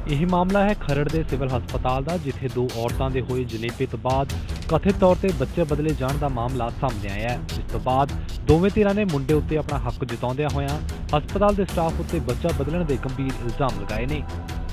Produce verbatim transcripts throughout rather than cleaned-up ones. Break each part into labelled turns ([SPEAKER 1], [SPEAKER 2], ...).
[SPEAKER 1] यह मामला है खरड़ के सिविल हस्पताल का, जिथे दो औरतों के होए जनेपे तो बाद कथित तौर पर बच्चे बदले जाने का मामला सामने आया है। जिस तो बाद दोवें धिरां ने मुंडे उत्ते अपना हक जताउंदियां होइयां हस्पताल के स्टाफ उत्ते बच्चा बदलण के गंभीर इल्जाम लगाए ने।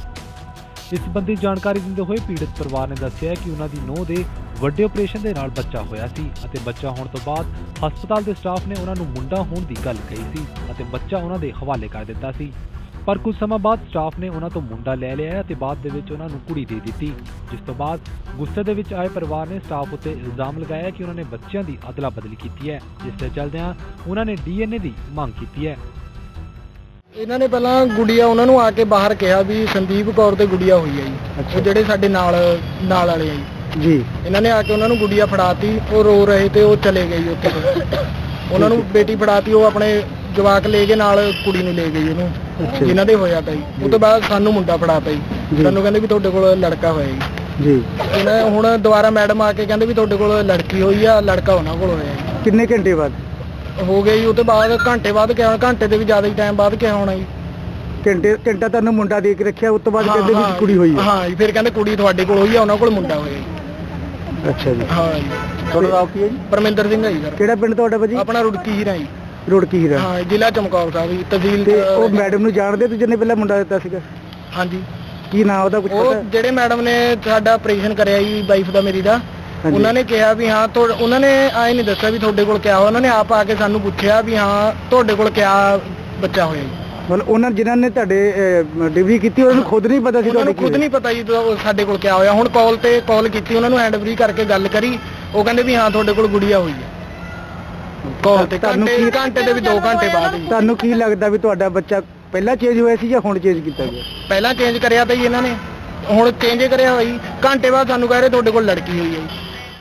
[SPEAKER 1] इस संबंधी जानकारी दिंदे होए पीड़ित परिवार ने दस्सिया कि उन्हां दी नूंह दे वड्डे ऑपरेशन के नाल बच्चा होया सी अते बच्चा होने तो बाद हस्पताल के स्टाफ ने उन्हां नूं मुंडा होने की गल कही सी अते बच्चा उन्हां दे हवाले कर दिता सी। पर कुछ समय बाद स्टाफ ने उन्हां तो मुंडा लै लिया ते बाद दे विच उन्हां नूं कुड़ी दे दित्ती। जिस तो बाद गुस्से दे विच आए परिवार ने स्टाफ उत्ते इल्जाम लगाया कि उन्होंने बच्चों की अदला बदली की है, जिसके चलदियां उन्होंने डी एन ए की मांग की है।
[SPEAKER 2] ਇਹਨਾਂ ਨੇ ਪਹਿਲਾਂ ਗੁੜੀਆ ਉਹਨਾਂ ਨੂੰ ਆ ਕੇ ਬਾਹਰ ਕਿਹਾ ਵੀ ਸੰਦੀਪ ਕੌਰ ਤੇ ਗੁੜੀਆ ਹੋਈ ਹੈ ਜੀ, ਉਹ ਜਿਹੜੇ ਸਾਡੇ ਨਾਲ ਨਾਲ ਵਾਲੇ ਆ ਜੀ ਜੀ ਇਹਨਾਂ ਨੇ ਆ ਕੇ ਉਹਨਾਂ ਨੂੰ ਗੁੜੀਆ ਫੜਾਤੀ, ਉਹ ਰੋ ਰਹੇ ਤੇ ਉਹ ਚਲੇ ਗਏ ਜੀ ਉੱਥੇ ਉਹਨਾਂ ਨੂੰ ਬੇਟੀ ਫੜਾਤੀ, ਉਹ ਆਪਣੇ ਜਵਾਕ ਲੈ ਕੇ ਨਾਲ ਕੁੜੀ ਨੂੰ ਲੈ ਗਈ ਉਹਨੂੰ ਜਿਨ੍ਹਾਂ ਦੇ ਹੋਇਆ ਤਾਂ ਜੀ। ਉਸ ਤੋਂ ਬਾਅਦ ਸਾਨੂੰ ਮੁੰਡਾ ਫੜਾਤਾ ਜੀ, ਸਾਨੂੰ ਕਹਿੰਦੇ ਵੀ ਤੁਹਾਡੇ ਕੋਲ ਲੜਕਾ ਹੋਇਆ ਜੀ ਜੀ ਇਹਨਾਂ ਹੁਣ ਦੁਬਾਰਾ ਮੈਡਮ ਆ ਕੇ ਕਹਿੰਦੇ ਵੀ ਤੁਹਾਡੇ ਕੋਲ ਲੜਕੀ ਹੋਈ ਆ, ਲੜਕਾ ਉਹਨਾਂ ਕੋਲ ਹੋਇਆ ਜੀ। ਕਿੰਨੇ ਘੰਟੇ ਬਾਅਦ हो गए जी? उस बाद घंटे बाद क्या घंटे से भी ज्यादा ही टाइम बाद क्या होना जी? घंटे घंटा तुहानू मुंडा दे के रखिया, उस तो बाद कहंदे भी कुड़ी होई है। हां जी, फिर कहंदे कुड़ी तुहाडे कोल होई है, उन्हां कोल मुंडा होया जी। अच्छा जी। हां जी। तुहाडा नाम की है जी? परमिंदर सिंह है जी सर। किहड़ा पिंड तुहाडा भाजी? अपना रुड़की हीरा जी। रुड़की हीरा। हां, जिला चमकौर साहब जी, तहसील ते ओ मैडम नू जानदे तू जिन्ने पहला मुंडा दित्ता सीगा? हां जी। की नाम ओदा कुछ पता? ओ जेड़े मैडम ने साडा ऑपरेशन करया जी वाइफ दा मेरी दा, उन्होंने कहा भी हाँ तो उन्होंने आए नहीं दसा भी थोड़े कोल क्या हो, उन्होंने आप आके सानू पूछा भी हाँ थोड़े कोल क्या बच्चा होया जी। मतलब उन्होंने जिन्होंने ने तुहाडे डिलीवरी की उन्होंने खुद नहीं पता सी? उन्होंने खुद नहीं पता जी साडे कोल क्या होया। हुण कॉल ते कॉल की उन्होंने हैंड फ्री करके गल करी, वो कहंदे भी हाँ थोड़े कोल गुड़िया हुई है कॉल ते घंटे घंटे ते भी दो घंटे बाद। तुहानू की लगदा भी तुहाडा बच्चा पहला चेंज होया सी जां हुण चेंज कीता गया? पहला चेंज करया तां जी इन्हां ने, हुण चेंज करया होया जी, घंटे बाद सानू कह रहे थोड़े कोल लड़की हुई है।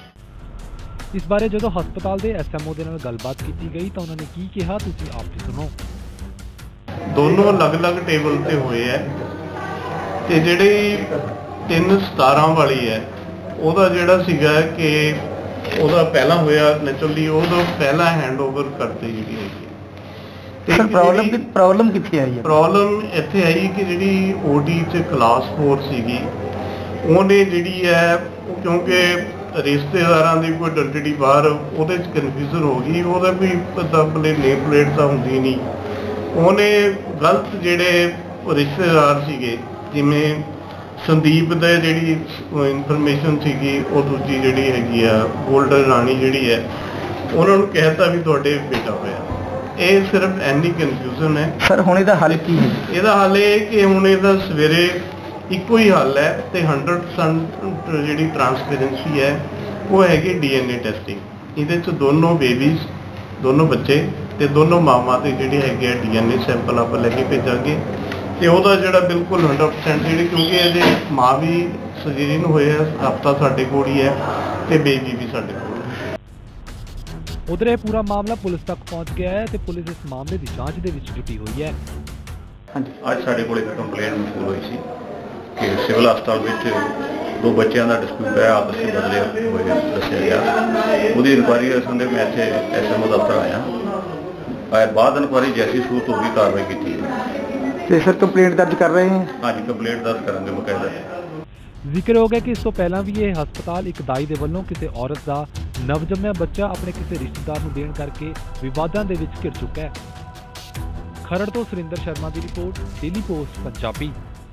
[SPEAKER 1] इस बारे जो हस्पताल के एस एम ओ के नाल गलबात की गई तो उन्होंने की कहा, तुसीं आप भी सुनो।
[SPEAKER 3] दोनों अलग अलग टेबल ते हुए है ते जिहड़ी तीन सतारह वाली है ਉਹਦਾ ਜਿਹੜਾ ਸੀਗਾ ਕਿ ਉਹਦਾ ਪਹਿਲਾਂ ਹੋਇਆ ਨੈਚੁਰਲੀ ਉਹਦਾ ਪਹਿਲਾ ਹੈਂਡਓਵਰ ਕਰਤੇ ਜਿਹੜੀ ਹੈਗੀ ਤੇ ਪ੍ਰੋਬਲਮ ਕਿ ਪ੍ਰੋਬਲਮ ਕਿੱਥੇ ਆਈ ਹੈ? ਪ੍ਰੋਬਲਮ ਇੱਥੇ ਆਈ ਕਿ ਜਿਹੜੀ ਓਡੀ ਚ ਕਲਾਸ फोर ਸੀਗੀ ਉਹਨੇ ਜਿਹੜੀ ਹੈ ਕਿਉਂਕਿ ਰਿਸ਼ਤੇਦਾਰਾਂ ਦੀ ਕੋਈ ਆਇਡੈਂਟੀ ਬਾਹਰ ਉਹਦੇ ਚ ਕਨਫਿਊਜ਼ਨ ਹੋ ਗਈ, ਉਹਦਾ ਕੋਈ ਪਤਾ ਬਲੇ ਨੇਮ ਪਲੇਟ ਤਾਂ ਹੁੰਦੀ ਨਹੀਂ, ਉਹਨੇ ਗਲਤ ਜਿਹੜੇ ਰਿਸ਼ਤੇਦਾਰ ਸੀਗੇ ਜਿਵੇਂ ਸੰਦੀਪ ਦੇ ਜਿਹੜੀ ਇਨਫੋਰਮੇਸ਼ਨ ਸੀਗੀ ਉਹ ਦੂਜੀ ਜਿਹੜੀ ਹੈਗੀ ਆ ਗੋਲਡਨ ਰਾਣੀ ਜਿਹੜੀ ਹੈ ਉਹਨਾਂ ਨੂੰ ਕਹਿਤਾ ਵੀ ਤੁਹਾਡੇ ਬੇਟਾ ਹੋਇਆ। ਇਹ ਸਿਰਫ ਐਨੀ ਕਨਫਿਊਜ਼ਨ ਹੈ ਸਰ। ਹੁਣ ਇਹਦਾ ਹੱਲ ਕੀ ਹੈ? ਇਹਦਾ ਹੱਲ ਇਹ ਕਿ ਹੁਣ ਇਹਦਾ ਸਵੇਰੇ ਇੱਕੋ ਹੀ ਹੱਲ ਹੈ ਤੇ हंड्रेड परसेंट ਜਿਹੜੀ ਟ੍ਰਾਂਸਪੇਰੈਂਸੀ ਹੈ ਉਹ ਹੈਗੀ ਡੀ ਐਨ ਏ ਟੈਸਟਿੰਗ। ਇਹਦੇ ਚ ਦੋਨੋਂ ਬੇਬੀਜ਼ ਦੋਨੋਂ ਬੱਚੇ ਤੇ ਦੋਨੋਂ ਮਾਵਾਂ ਦੇ ਜਿਹੜੇ ਹੈਗੇ ਡੀ ਐਨ ਏ ਸੈਂਪਲ ਆਪਾਂ ਲੈ ਕੇ ਭੇਜਾਂਗੇ ਤੇ ਉਹਦਾ ਜਿਹੜਾ ਬਿਲਕੁਲ हंड्रेड परसेंट ਜਿਹੜੀ ਕਿਉਂਕਿ ਇਹਦੇ ਮਾਂ ਵੀ ਸਜੀਨ ਹੋਏ ਆ, ਹਫਤਾ ਸਾਡੇ ਕੋਲ ਹੀ ਹੈ ਤੇ ਬੇਬੀ ਵੀ ਸਾਡੇ ਕੋਲ ਹੈ।
[SPEAKER 1] उधर यह पूरा मामला पुलिस तक पहुंच गया है तो पुलिस इस मामले की जांच दे विच जुटी हुई है।
[SPEAKER 4] ਅੱਜ ਸਾਡੇ ਕੋਲ ਇੱਕ ਕੰਪਲੇਂਟ ਮਸੂਲ ਹੋਈ ਸੀ ਕਿ ਸਿਵਲ ਹਸਪਤਾਲ ਵਿੱਚ ਦੋ ਬੱਚਿਆਂ ਦਾ ਡਿਸਪਿਊਟ ਹੈ, ਆਪਸ ਵਿੱਚ ਬਦਲੇ ਹੋਏ ਦੱਸਿਆ ਗਿਆ। ਉਹਦੀ ਇਨਕੁਆਇਰੀ ਸੰਦੇ ਮੈਂ ਇੱਥੇ ਐਸ ਐਮ ਓ ਦਫ਼ਤਰ ਆਇਆ ਆਇਆ ਬਾਅਦ ਇਨਕੁਆਇਰੀ ਜੈਸੀ ਸੂਰਤ ਹੋਈ ਕਾਰਵਾਈ ਕੀਤੀ ਹੈ।
[SPEAKER 2] ਤੇ ਸਰ ਕੰਪਲੇਂਟ ਦਰਜ ਕਰ ਰਹੇ ਹਾਂ?
[SPEAKER 4] ਹਾਂਜੀ ਕੰਪਲੇਂਟ ਦਰਜ ਕਰਾਂਗੇ ਬਕਾਇਦਾ।
[SPEAKER 1] ਜ਼ਿਕਰ ਹੋ ਗਿਆ ਕਿ ਇਸ ਤੋਂ ਪਹਿਲਾਂ ਵੀ ਇਹ ਹਸਪਤਾਲ ਇੱਕ ਦਾਈ ਦੇ ਵੱਲੋਂ ਕਿਸੇ ਔਰਤ ਦਾ ਨਵਜੰਮਿਆ ਬੱਚਾ ਆਪਣੇ ਕਿਸੇ ਰਿਸ਼ਤੇਦਾਰ ਨੂੰ ਦੇਣ ਕਰਕੇ ਵਿਵਾਦਾਂ ਦੇ ਵਿੱਚ ਘਿਰ ਚੁੱਕਾ ਹੈ। ਖਰੜ ਤੋਂ ਸੁਰਿੰਦਰ ਸ਼ਰਮਾ ਦੀ ਰਿਪੋਰਟ, ਡੇਲੀ ਪੋਸਟ ਪੰਜਾਬੀ।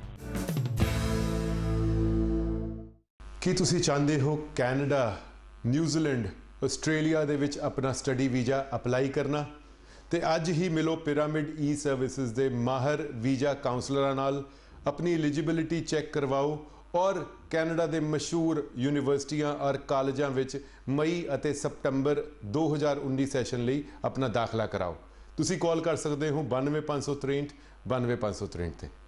[SPEAKER 5] ਕੀ ਤੁਸੀਂ ਚਾਹੁੰਦੇ ਹੋ ਕੈਨੇਡਾ, ਨਿਊਜ਼ੀਲੈਂਡ, ਆਸਟ੍ਰੇਲੀਆ ਦੇ ਵਿੱਚ ਆਪਣਾ ਸਟੱਡੀ ਵੀਜ਼ਾ ਅਪਲਾਈ ਕਰਨਾ? ਤੇ ਅੱਜ ਹੀ ਮਿਲੋ ਪਿਰਾਮਿਡ ਈ ਸਰਵਿਸਿਜ਼ ਦੇ ਮਾਹਰ ਵੀਜ਼ਾ ਕਾਉਂਸਲਰਾਂ ਨਾਲ, ਆਪਣੀ ਐਲੀਜੀਬਿਲਿਟੀ ਚੈੱਕ ਕਰਵਾਓ ਔਰ ਕੈਨੇਡਾ ਦੇ ਮਸ਼ਹੂਰ ਯੂਨੀਵਰਸਿਟੀਆਂ ਔਰ ਕਾਲਜਾਂ ਵਿੱਚ ਮਈ ਅਤੇ ਸਤੰਬਰ दो हज़ार उन्नीस ਸੈਸ਼ਨ ਲਈ ਆਪਣਾ ਦਾਖਲਾ ਕਰਾਓ। ਤੁਸੀਂ ਕਾਲ ਕਰ ਸਕਦੇ ਹੋ बानवे पाँच सौ तिरसठ बानवे पाँच सौ तिरसठ ਤੇ।